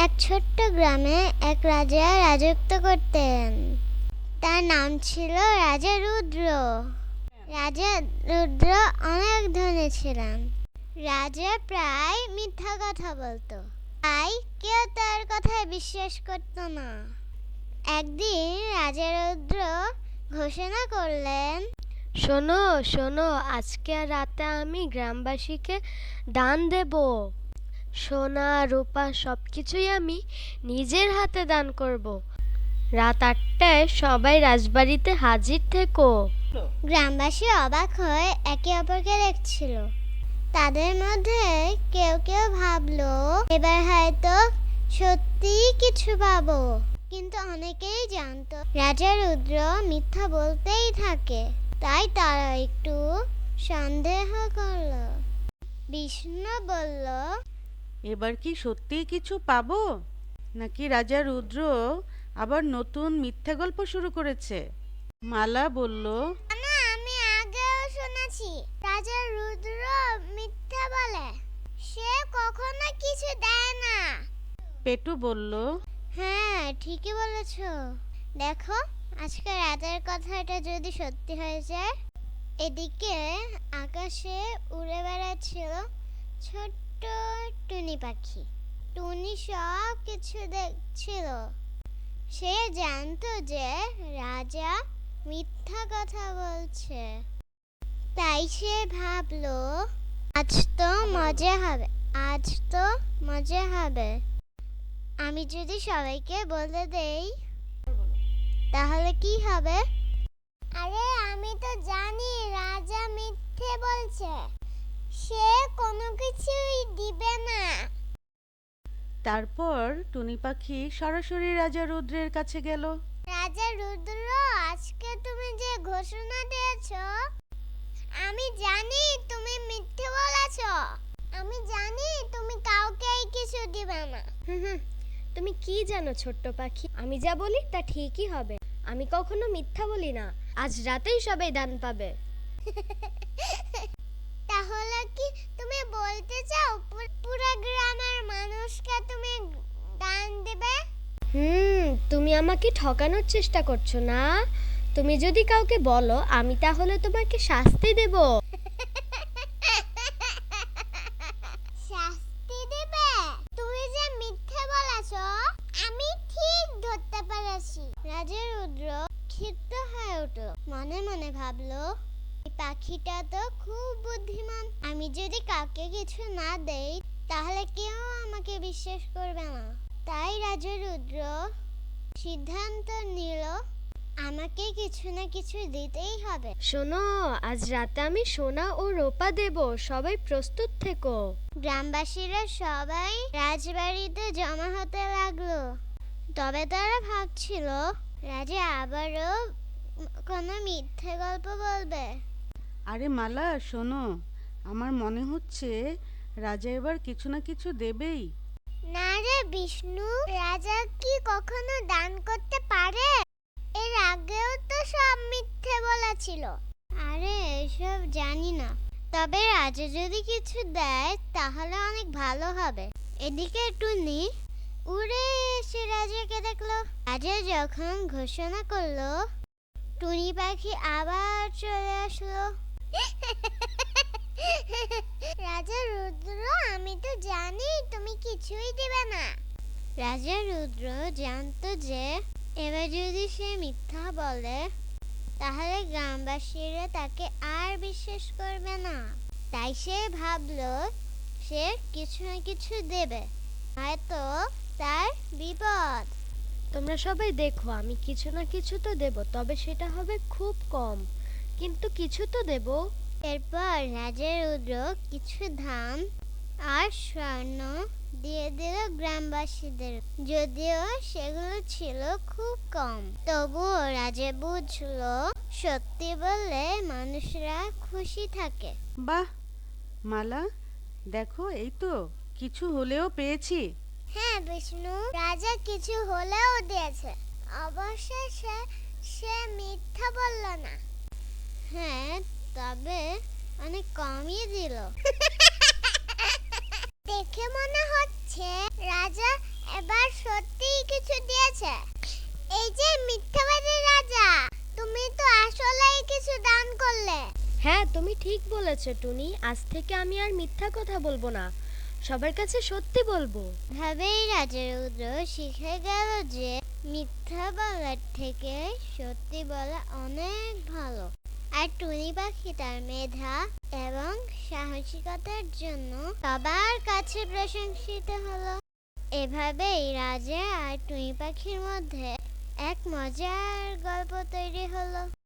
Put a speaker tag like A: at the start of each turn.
A: এক ছোট্ট গ্রামে এক রাজা রাজত্ব করতেন। তার নাম ছিল রাজা রুদ্র। রাজা রুদ্র অনেক ধনী ছিলেন। রাজা প্রায় মিথ্যা কথা বলতো, তাই কেউ তার কথায় বিশ্বাস করত না। একদিন রাজা রুদ্র ঘোষণা করলেন,
B: শোনো শোনো, আজকে রাতে আমি গ্রামবাসীকে দান দেব। সোনা রূপা সবকিছুই আমি নিজের হাতে দান করব। রাত 8টায় সবাই রাজবাড়িতে হাজির থেকো।
A: গ্রামবাসী অবাক হয়ে একে অপরকে দেখছিল। তাদের মধ্যে কেউ কেউ ভাবলো এবার হয়তো সত্যি কিছু পাবো, কিন্তু অনেকেই জানতো রাজা রুদ্র মিথ্যা বলতেই থাকে। তাই তারা একটু সন্দেহ করলো। বিষ্ণু বলল,
C: এবার কি সত্যিই কিছু পাবো, নাকি রাজা রুদ্র আবার নতুন মিথ্যে গল্প শুরু করেছে? মালা বলল,
A: না, আমি আগেও শুনেছি রাজা রুদ্র মিথ্যা বলে, সে কখনো কিছু দেয় না।
C: পেটু বলল,
A: হ্যাঁ, ঠিকই বলেছ। দেখো, আজকে রাতের কথাটা যদি সত্যি হয়ে যায়। এদিকে আকাশে উড়ে বেড়াচ্ছিল ছোট্ট টুনি পাখি। টুনি সব কিছু দেখছিল। সে জানতো যে রাজা মিথ্যা কথা বলছে। তাই সে ভাবলো, আজ তো মজা হবে, আজ তো মজা হবে। আমি যদি সবাইকে বলে দেই তাহলে কি হবে? আরে আমি তো জানি রাজা মিথ্যে বলছে, সে কোনো কিছুই দিবে না।
C: তারপর টুনি পাখি সরাসরি রাজা রুদ্রের কাছে গেল।
A: রাজা রুদ্র, আজকে তুমি যে ঘোষণা দিয়েছো, আমি জানি তুমি মিথ্যে বলেছো। আমি জানি তুমি কাউকেই কিছু দিবে না।
B: তুমি কি জানো ছোট্ট পাখি, আমি যা বলি তা ঠিকই হবে। আমি কখনো মিথ্যা বলি না। আজ রাতেই সবাই দান পাবে।
A: তাহলে কি তুমি বলতে চাও পুরো গ্রামের মানুষকে তুমি দান দিবে?
B: তুমি আমাকে ঠকানোর চেষ্টা করছো না? তুমি যদি কাউকে বলো, আমি তাহলে তোমাকে শাস্তি দেব।
A: শাস্তি দিবে? তুমি যে মিথ্যে বলেছো আমি ঠিক ধরতে পেরেছি। রাজা রুদ্র ক্ষিপ্ত হয়ে উঠল। মনে মনে ভাবলো, এই পাখিটা তো খুব বুদ্ধিমান। আমি যদি কাউকে কিছু না দেই তাহলে কেউ আমাকে বিশ্বাস করবে না। তাই রাজা রুদ্র সিদ্ধান্ত নিল, আমাকে কিছু না কিছু দিতেই হবে।
B: শোনো, আজ রাতে আমি সোনা ও রূপা দেব। সবাই প্রস্তুত থেকো।
A: গ্রামবাসীরা সবাই রাজবাড়িতে জমা হতে লাগলো। তবে তারা ভাবছিল রাজা আবারও কোনো মিথ্যে গল্প বলবে।
C: আরে মালা শোনো, আমার মনে হচ্ছে রাজা এবার কিছু না কিছু দেবেই।
A: না রে বিষ্ণু, রাজা কি কখনো দান করতে পারে? এর আগেও তো সব মিথ্যে বলেছিল। আরে এসব জানি না, তবে রাজা যদি কিছু দেয় তাহলে অনেক ভালো হবে। এদিকে টুনি উড়ে এসে রাজাকে দেখলো। রাজা যখন ঘোষণা করলো, টুনি পাখি আবার চলে আসলো। রাজা রুদ্র, আমি তো জানি তুমি কিছুই দিবে না। রাজা রুদ্র জানতো যে এবার যদি সে মিথ্যা বলে তাহলে গ্রামবাসীরা তাকে আর বিশ্বাস করবে না। তাই সে ভাবলো সে কিছু না কিছু দেবে, হয়তো তার বিপদ।
B: তোমরা সবাই দেখো, আমি কিছু না কিছু তো দেব, তবে সেটা হবে খুব কম, কিন্তু কিছু তো দেব।
A: এরপর রাজা রুদ্র কিছু ধান আর স্বর্ণ দিয়ে দিল গ্রামবাসীদের। যদিও সেগুলো ছিল খুব কম, তবুও রাজা বুঝলো সত্যি বললে মানুষরা খুশি থাকে।
C: বাহ মালা, দেখো এই তো কিছু হলেও পেয়েছি।
A: হ্যাঁ বিষ্ণু, রাজা কিছু হলেও দিয়েছে। অবশ্যই সে মিথ্যা বলল না। হ্যাঁ, তবে অনেক কমই দিল। দেখে মনে হচ্ছে রাজা এবার
B: হ্যাঁ, তুমি ঠিক বলেছো টুনি। আজ থেকে আমি আর মিথ্যা কথা বলবো না, সবার কাছে সত্যি বলবো।
A: ভাবেই রাজা রুদ্র শিখে গেল যে মিথ্যা বলার থেকে সত্যি বলা অনেক ভালো। আর টুনি পাখি তার মেধা এবং সাহসিকতার জন্য সবার কাছে প্রশংসিত হলো। এভাবেই রাজা আর টুনি পাখির মধ্যে এক মজার গল্প তৈরি হলো।